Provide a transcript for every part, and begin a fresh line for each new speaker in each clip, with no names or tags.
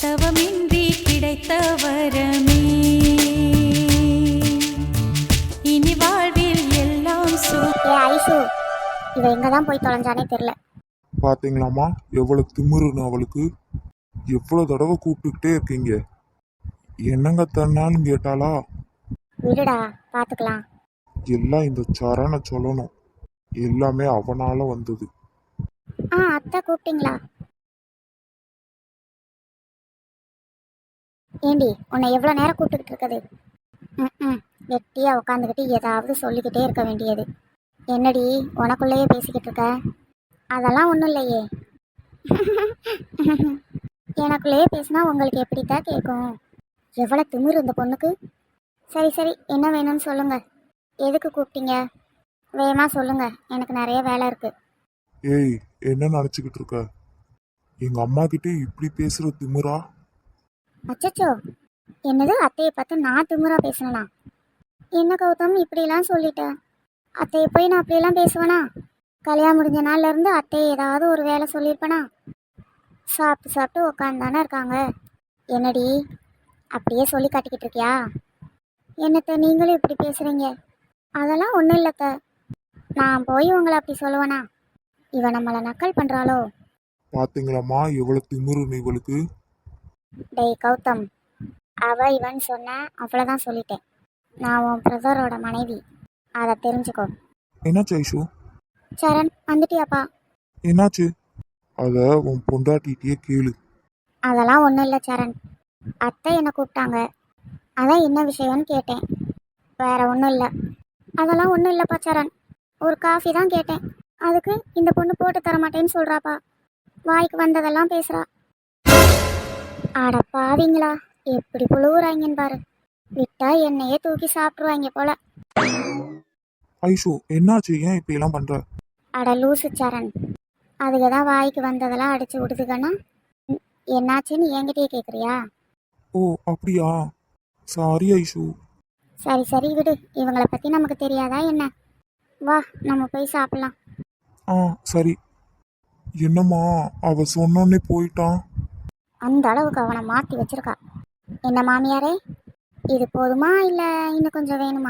தவமின்றி கிடைத்த வரமே இனி வாழ்வில் எல்லாம்
ஏ ஐசு, இவ எங்கதான் போய் தொலைஞ்சானே தெரியல.
பாத்தீங்களாமா எவ்வளவு திமிருன்னு அவளுக்கு. எவ்வளவு தடவை கூப்பிட்டுக்கிட்டே இருக்கீங்க. என்னங்க தன்னாலும் கேட்டாளா?
விடுடா, பாத்துக்கலாம்.
எல்லாம் இந்த சரண சொல்லணும். எல்லாமே அவனால வந்தது.
அத்தை கூப்பிட்டீங்களா? ஏண்டி, உன்னை எவ்வளோ நேரம் கூப்பிட்டுக்கிட்டு இருக்குது? ம் வெட்டியா உட்காந்துக்கிட்டு ஏதாவது சொல்லிக்கிட்டே இருக்க வேண்டியது. என்னடி உனக்குள்ளேயே பேசிக்கிட்டு இருக்க? அதெல்லாம் ஒன்றும் இல்லையே. எனக்குள்ளேயே பேசினா உங்களுக்கு எப்படித்தான் கேட்கும்? எவ்வளோ திமிரு இந்த பொண்ணுக்கு. சரி சரி, என்ன வேணும்னு சொல்லுங்க. எதுக்கு கூப்பிட்டீங்க? வேகமாக சொல்லுங்க, எனக்கு நிறைய வேலை இருக்கு.
ஏய், என்ன நினைச்சுக்கிட்டு இருக்க? எங்க அம்மா கிட்டே இப்படி பேசுற திமிரா?
அச்சச்சோ, என்னது அத்தையை பார்த்து நான் திமிரா பேசணும்னா? என்ன கௌதம் இப்படிலாம் சொல்லிட்டேன்? அத்தையை போய் நான் அப்படியெல்லாம் பேசுவேனா? கல்யாணம் முடிஞ்ச நாள்ல இருந்து அத்தையை ஏதாவது ஒரு வேலை சொல்லியிருப்பேனா? சாப்பிட்டு சாப்பிட்டு உட்காந்து இருக்காங்க. என்னடி அப்படியே சொல்லி காட்டிக்கிட்டு இருக்கியா? என்னத்த நீங்களும் இப்படி பேசுறீங்க? அதெல்லாம் ஒன்றும் இல்லைத்த. நான் போய் உங்களை அப்படி சொல்லுவேனா? இவ நம்மளை நக்கல் பண்ணுறாளோ?
பாத்தீங்களாம்மா எவ்வளவு திமிருன்னு இவளுக்கு.
டேய் கௌதம், அவ இவன் சொன்ன அவ்வளோதான் சொல்லிட்டேன். நான் உன் பிரதரோட மனைவி, அதை தெரிஞ்சுக்கோ.
என்னாச்சு ஐஷு?
சரண் வந்துட்டியாப்பா?
என்னாச்சு? அத உன் பொண்டாட்டிகிட்டயே கேளு.
அதெல்லாம் ஒன்றும் இல்லை சரண். அத்தை என்னை கூப்பிட்டாங்க, அதான் என்ன விஷயம்னு கேட்டேன். வேற ஒன்றும் இல்லை. அதெல்லாம் ஒன்றும் இல்லைப்பா சரண். ஒரு காஃபி தான் கேட்டேன், அதுக்கு இந்த பொண்ணு போட்டு தர மாட்டேன்னு சொல்கிறாப்பா. வாய்க்கு வந்ததெல்லாம் பேசுகிறா. அடப்பாவீங்களா, எப்படி புழுவுறாங்கன்னு பாரு. விட்டா என்னையே தூக்கி சாப்பிட்ருவாங்க போல.
ஐஷு என்னாச்சு? ஏன் இப்படி எல்லாம் பண்ற?
அட லூசு சரண், அதுக்கு தான் வாய்க்கு வந்ததெல்லாம் அடிச்சு விடுதுக்கன்னா என்னாச்சுன்னு என்கிட்டயே கேட்குறியா?
ஓ அப்படியா? சாரி ஐஷு.
சரி சரி விடு, இவங்களை பற்றி நமக்கு தெரியாதா என்ன? வா நம்ம போய் சாப்பிட்லாம்.
சரி. என்னம்மா அவ சொன்னோன்னே போயிட்டான்?
அந்த அளவுக்கு அவனை மாற்றி வச்சிருக்கா. என்ன மாமியாரே, இது போதுமா இல்லை இன்னும் கொஞ்சம் வேணுமா?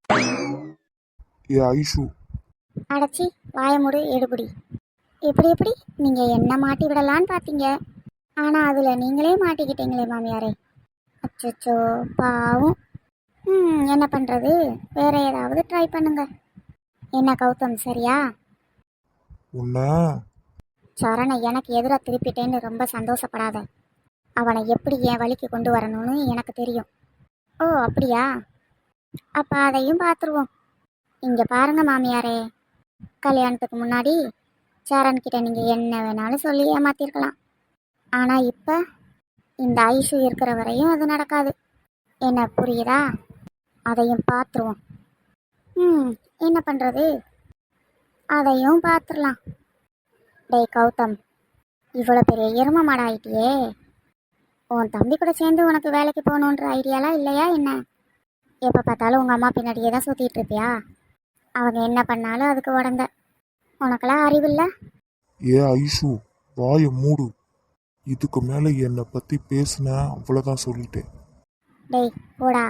ஏ ஐஷு.
அடைச்சி வாய மூடு எடுபடி. எப்படி எப்படி நீங்கள் என்ன மாட்டி விடலான்னு பார்த்தீங்க, ஆனால் அதில் நீங்களே மாட்டிக்கிட்டீங்களே மாமியாரே. அச்சோ பாவம். என்ன பண்ணுறது, வேற ஏதாவது ட்ரை பண்ணுங்க. என்ன கௌதம், சரியா?
உன்ன
சரணை எனக்கு எதிராக திருப்பிட்டேன்னு ரொம்ப சந்தோஷப்படாத. அவனை எப்படி என் வழிக்கு கொண்டு வரணும்னு எனக்கு தெரியும். ஓ அப்படியா? அப்போ அதையும் பார்த்துருவோம். இங்கே பாருங்க மாமியாரே, கல்யாணத்துக்கு முன்னாடி சரண்கிட்ட நீங்கள் என்ன வேணாலும் சொல்லி ஏமாத்திருக்கலாம். ஆனால் இப்போ இந்த ஐஷு இருக்கிற வரையும் அது நடக்காது. என்ன புரியுதா? அதையும் பார்த்துருவோம். என்ன பண்ணுறது, அதையும் பார்த்துடலாம். டேய் கௌதம், இவ்வளோ பெரிய எரும மாடு ஆயிட்டியே. உன் தம்பி கூட சேர்ந்து உனக்கு வேலைக்கு போகணுன்ற ஐடியாலாம் இல்லையா என்ன? எப்போ பார்த்தாலும் உங்கள் அம்மா பின்னாடியே தான் சுற்றிட்டு இருப்பியா? அவங்க என்ன பண்ணாலும் அதுக்கு உடந்த. உனக்கெல்லாம் அறிவில்லை?
ஏ ஐஷு, வாய மூடு. இதுக்கு மேல என்னை பத்தி பேசுன அவ்வளவுதான் சொல்லிட்டேன்.
டேய் போடா.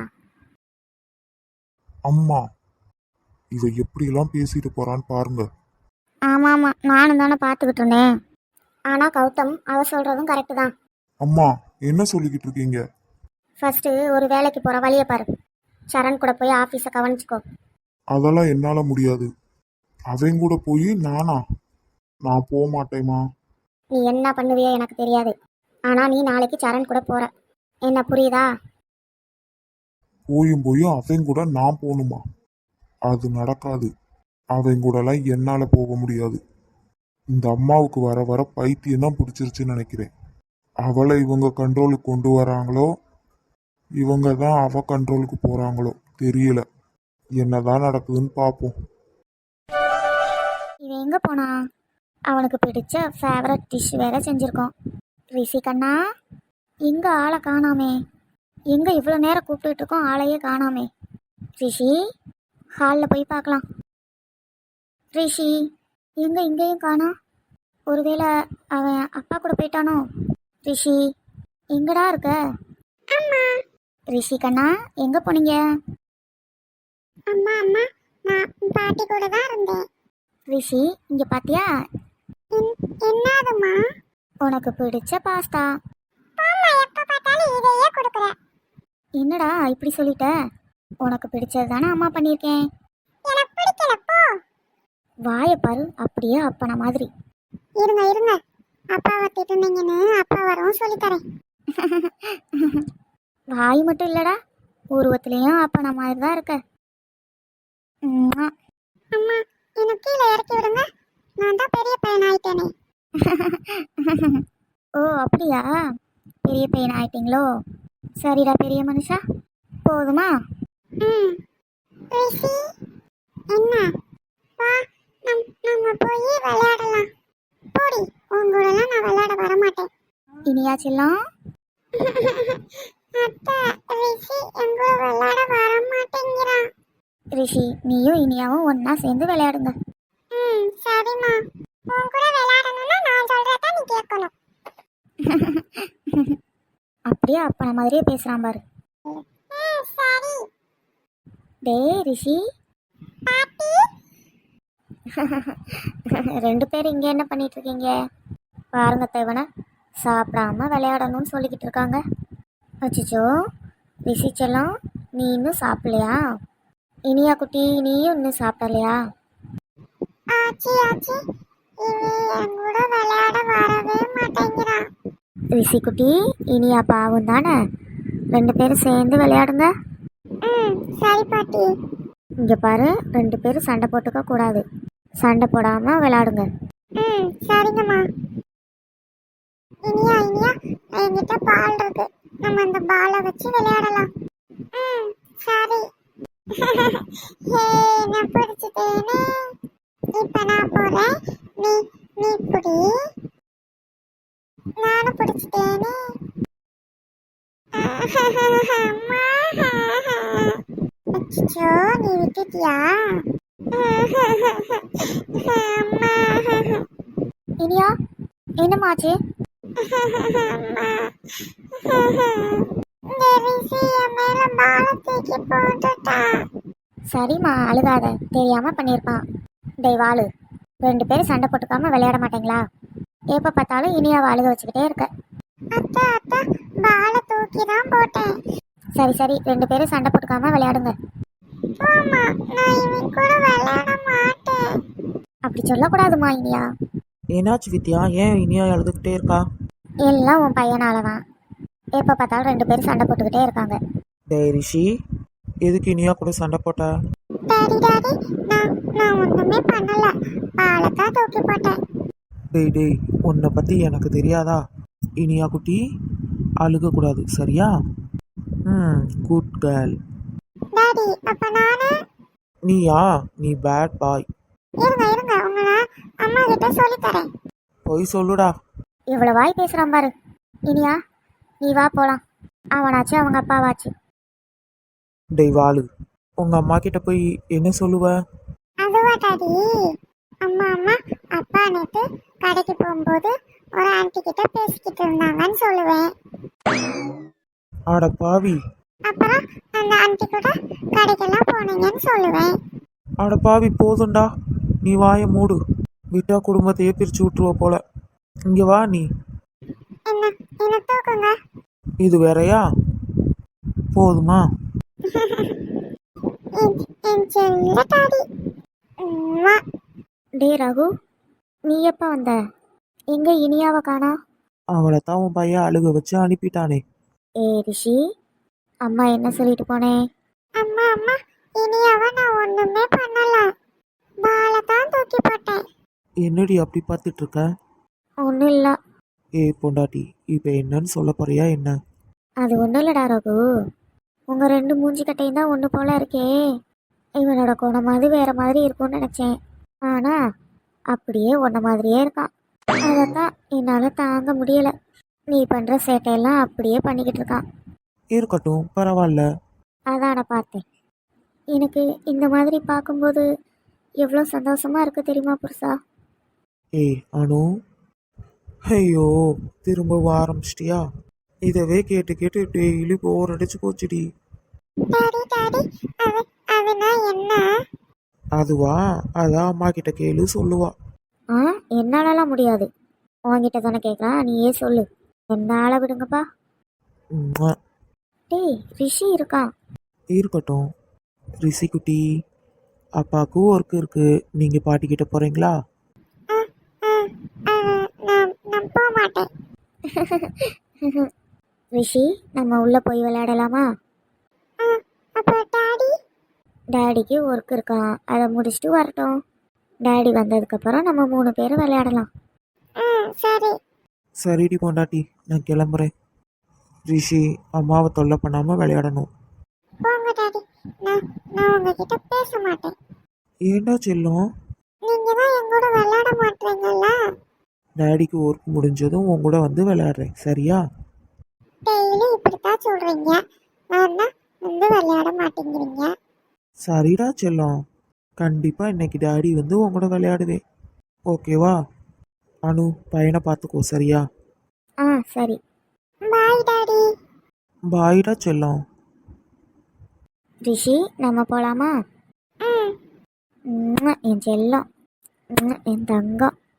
அம்மா, இவ எப்படியெல்லாம் பேசிட்டு போறான்னு பாருங்க.
ஆமாம் ஆமாம், நானும் தானே பார்த்துக்கிட்டு இருந்தேன். ஆனால் கௌதம் அவ சொல்கிறதும் கரெக்டு தான்.
அம்மா என்ன சொல்லிக்கிட்டு இருக்கீங்க?
ஃபஸ்ட்டு ஒரு வேலைக்கு போகிற வழியை பாரு. சரண் கூட போய் ஆஃபீஸை கவனிச்சிக்கோ.
அதெல்லாம் என்னால முடியாது. அவன் கூட போய் நான் போக மாட்டேம்மா.
நீ என்ன பண்ணுவியோ எனக்கு தெரியாது, ஆனால் நீ நாளைக்கு சரண் கூட போகிற. என்ன புரியுதா?
போயும் அவன் கூட நான் போகணுமா? அது நடக்காது. அவன் கூடலாம் என்னால போக முடியாது. இந்த அம்மாவுக்கு வர வர பைத்தியம் தான் பிடிச்சிருச்சுன்னு நினைக்கிறேன். அவளை இவங்க கண்ட்ரோலுக்கு கொண்டு வராங்களோ, இவங்க தான் அவ கண்ட்ரோலுக்கு போறாங்களோ தெரியல. என்னதான் நடக்குதுன்னு பார்ப்போம்.
இவன் எங்கே போனா? அவனுக்கு பிடிச்ச ஃபேவரட் டிஷ் வேற செஞ்சுருக்கோம். ரிஷி கண்ணா, எங்கே ஆளை காணாமே? எங்கே இவ்வளோ நேரம் கூப்பிட்டுட்டு இருக்கோம், ஆளையே காணாமே? ரிஷி, ஹாலில் போய் பார்க்கலாம். ரிஷி எங்கே இங்கேயும் காணோம்? ஒருவேளை அவன் அப்பா கூட போயிட்டானோ? ரிஷி எங்கடா இருக்க? அம்மா. ரிஷி கண்ணா எங்க போனீங்க? அம்மா அம்மா நான் பாட்டி கூட தான் இருந்தேன். ரிஷி இங்க பாத்தியா? என்னதுமா? உனக்கு பிடிச்ச பாஸ்தா. அம்மா எப்ப பார்த்தாலும் இதையே கொடுக்குற. என்னடா இப்படி சொல்லிட்ட? உனக்கு பிடிச்சது தானே அம்மா பண்ணியிருக்கேன். எனக்கு பிடிக்கல போ. வாயை பாரு, அப்படியே அப்பன மாதிரி. இருங்க இருங்க, அப்பாவை திட்டுனீங்கன்னு அப்பா வரவும் சொல்லித்தரேன். வாய் மட்டும் இல்லடா, உருவத்திலையும் அப்பன மாதிரி தான் இருக்க. அம்மா எனக்கு கீழே இறக்கி விடுங்க, நான் தான் பெரிய பையன் ஆயிட்டேனே. ஓ அப்படியா, பெரிய பையன் ஆயிட்டீங்களோ? சரிடா பெரிய மனுஷா, போதுமா? என்ன வா, நம்ம போய் விளையாடலாம். போடி, உங்களெல்லாம் நான் விளையாட வர மாட்டேன். இனியா செல்லம். அத்தை, ரிஷி எங்க விளையாட வர மாட்டேங்கிறான். ரிஷி நீயும் இனியாவும் ஒன்னா சேர்ந்து விளையாடுங்க. சரிம்மா, உன் கூட விளையாடணும்னா நான் சொல்றத நீ கேட்கணும். அப்படியே அப்பன மாதிரியே பேசுறான் பாரு. சரி. டேய் ரிஷி. பாட்டி. ரெண்டு பேரும் இங்க என்ன பண்ணிட்டு இருக்கீங்க? பாருங்க தேவனை சாப்பிடாம விளையாடணும்னு சொல்லிக்கிட்டு இருக்காங்க. அச்சிச்சோ ரிஷி செல்லம், நீ இன்னும் சாப்பிடலையா? இனியா குட்டி நீயும் இன்னும் சாப்பிடலையா? ஆச்சி ஆச்சி, இவன் கூட விளையாட வரவே மாட்டேங்கிறான். ரிஷி குட்டி இனியா பாவம் தானே, ரெண்டு பேரும் சேர்ந்து விளையாடுங்க. சரி பாட்டி. இங்க பாரு, ரெண்டு பேரும் சண்டை போட்டுக்க கூடாது, சண்டை போடாம விளையாடுங்க. சரிங்கம்மா. இனியா இனியா, என்கிட்ட பால் இருக்கு, நம்ம அந்த பாலை வச்சு விளையாடலாம். சரி. நான் பிடிச்சிட்டேனே, இப்ப நான் போறேன், நீ நீ பிடி. நானும் பிடிச்சிட்டேனே. அச்சோ நீ விட்டுட்டியா? இனியா என்னமாச்சு? சரிம்மா அழுகாத, தெரியாம பண்ணிருப்பான். டேய் வாளு, ரெண்டு பேரும் சண்டை போட்டுக்காம விளையாட மாட்டீங்களா? எப்ப பார்த்தாலும் இனியாவை அழுக வச்சுக்கிட்டே இருக்க. அத்தை அத்தை, பாலை தூக்கி தான் போட்டேன். சரி சரி, ரெண்டு பேரும் சண்டை போட்டுக்காம விளையாடுங்க. நான் இவன் கூட விளையாட மாட்டேன். அப்படி சொல்லக்கூடாதுமா இனியா.
என்னாச்சு வித்யா, ஏன் இனியா அழுதுகிட்டே இருக்கா?
எல்லாம் உன் பையனால தான், எப்போ பார்த்தாலும் ரெண்டு பேரும் சண்டை போட்டுக்கிட்டே இருக்காங்க.
டேய் ரிஷி, எதுக்கு இனியா கூட சண்டை போட்ட?
டாடி டாடி, நான் ஒண்ணுமே பண்ணல, பாலை தான் தூக்கி போட்டேன்.
டேய் டேய், உன்னை பற்றி எனக்கு தெரியாதா? இனியா குட்டி அழுகக்கூடாது சரியா? Good girl.
டாடி அப்ப நானு?
நீயா? நீ பேட் பாய்.
இருங்க இருங்க, உங்களை அம்மா கிட்ட சொல்லி தரேன்.
போய் சொல்லுடா.
இவ்வளவு வாய் பேசுறான் பாரு. இனியா நீ வா போலாம், அவனாச்சு அவங்க அப்பாவாச்சு.
டேய் வாளு, உங்க அம்மா கிட்ட போய் என்ன சொல்லுவ?
அதுவா டாடி, அம்மா அம்மா அப்பா நேத்து கடைக்கு போகும்போது ஒரு ஆன்ட்டி கிட்ட பேசிக்கிட்டு இருந்தாங்கன்னு சொல்லுவேன்.
ஆட பாவி.
அப்புறம் அந்த ஆன்ட்டி கூட கடைக்கெல்லாம் போனீங்கன்னு சொல்லுவேன்.
ஆட பாவி போதும்டா, நீ வாயை மூடு, விட்டா குடும்பத்தையே பிரிச்சு விட்டுருவ போல. இங்க வா நீ.
என்ன தூக்குங்க.
இது வேறயா? போதுமா?
என் செல்ல டாடி. டே ரகு, நீ எப்ப வந்த? எங்க இனியாவை காணா?
அவளை தான் உன் பையன் அழுக வச்சு அனுப்பிட்டானே.
ஏ ரிஷி, அம்மா என்ன சொல்லிட்டு போனேன்? அம்மா அம்மா, இனியாவை நான் ஒண்ணுமே பண்ணல, பாலை தான் தூக்கி போட்டேன்.
என்னடி அப்படி பார்த்துட்டு இருக்க?
ஒன்றும் இல்லை.
ஏய் பொண்டாட்டி, இப்போ என்னன்னு சொல்ல போறியா என்ன?
அது ஒன்றும் இல்லடா ரகு, உங்கள் ரெண்டு மூஞ்சி கட்டையும் தான் ஒன்று போல இருக்கே. இவனோட குணமாவது வேற மாதிரி இருக்கும்னு நினச்சேன், ஆனால் அப்படியே ஒன்றை மாதிரியே இருக்கான். அதைத்தான் என்னால் தாங்க முடியலை. நீ பண்ணுற சேட்டையெல்லாம் அப்படியே பண்ணிக்கிட்டு இருக்கான்.
இருக்கட்டும் பரவாயில்ல.
அதான் நான் பார்த்தேன். எனக்கு இந்த மாதிரி பார்க்கும்போது எவ்வளோ சந்தோஷமா இருக்கு தெரியுமா புருஷா?
ஏய் அனு, ஐயோ திரும்ப ஆரம்பிச்சிட்டியா? இதவே கேட்டு கேட்டு டெய்லி போர் அடிச்சு போச்சுடி.
டாடி டாடி அதுனா என்ன?
அதுவா, அதான் அம்மா கிட்ட கேளு சொல்லுவா.
ஆ என்னாலலாம் முடியாது. உன்கிட்ட தானே கேட்குறான், நீயே சொல்லு. என்னால விடுங்கப்பா.
உம்மா.
டேய் ரிஷி இருக்கான்.
இருக்கட்டும் ரிஷி குட்டி, அப்பாவுக்கும் ஒர்க் இருக்கு. நீங்க பாட்டிக்கிட்ட போறீங்களா?
நான் போக மாட்டேன். ரிஷி நம்ம உள்ள போய் விளையாடலாமா? அப்போ டாடி? டாடிக்கு ஒர்க் இருக்கான், அதை முடிச்சுட்டு வரட்டும். டாடி வந்ததுக்கப்புறம் நம்ம 3 பேரும் விளையாடலாம். சரி.
சரிடி பொண்டாட்டி, நான் கிளம்புறேன். ரிஷி, அம்மாவை தொல்லை பண்ணாம விளையாடணும்.
போங்க டாடி, நான் உங்ககிட்ட பேச மாட்டேன்.
ஏண்டா செல்லம்?
நீங்க தான் என் கூட விளையாட மாட்டீங்கல்ல.
டாடிக்கு ஒர்க் முடிஞ்சதும் உன் கூட வந்து விளையாடுறேன், சரியா?
டெய்லி இப்படித்தான் சொல்றீங்க, ஆனா வந்து விளையாட மாட்டேங்கிறீங்க.
சரிடா செல்லம், கண்டிப்பா இன்னைக்கு டாடி வந்து உன் கூட விளையாடுவேன். ஓகேவா? அனு, பையனை பார்த்துக்கோ, சரியா?
ஆ சரி. Bye daddy.
பாய்டா செல்லம்.
ரிஷி நம்ம போலாமா? என் செல்லம், என் தங்கம்.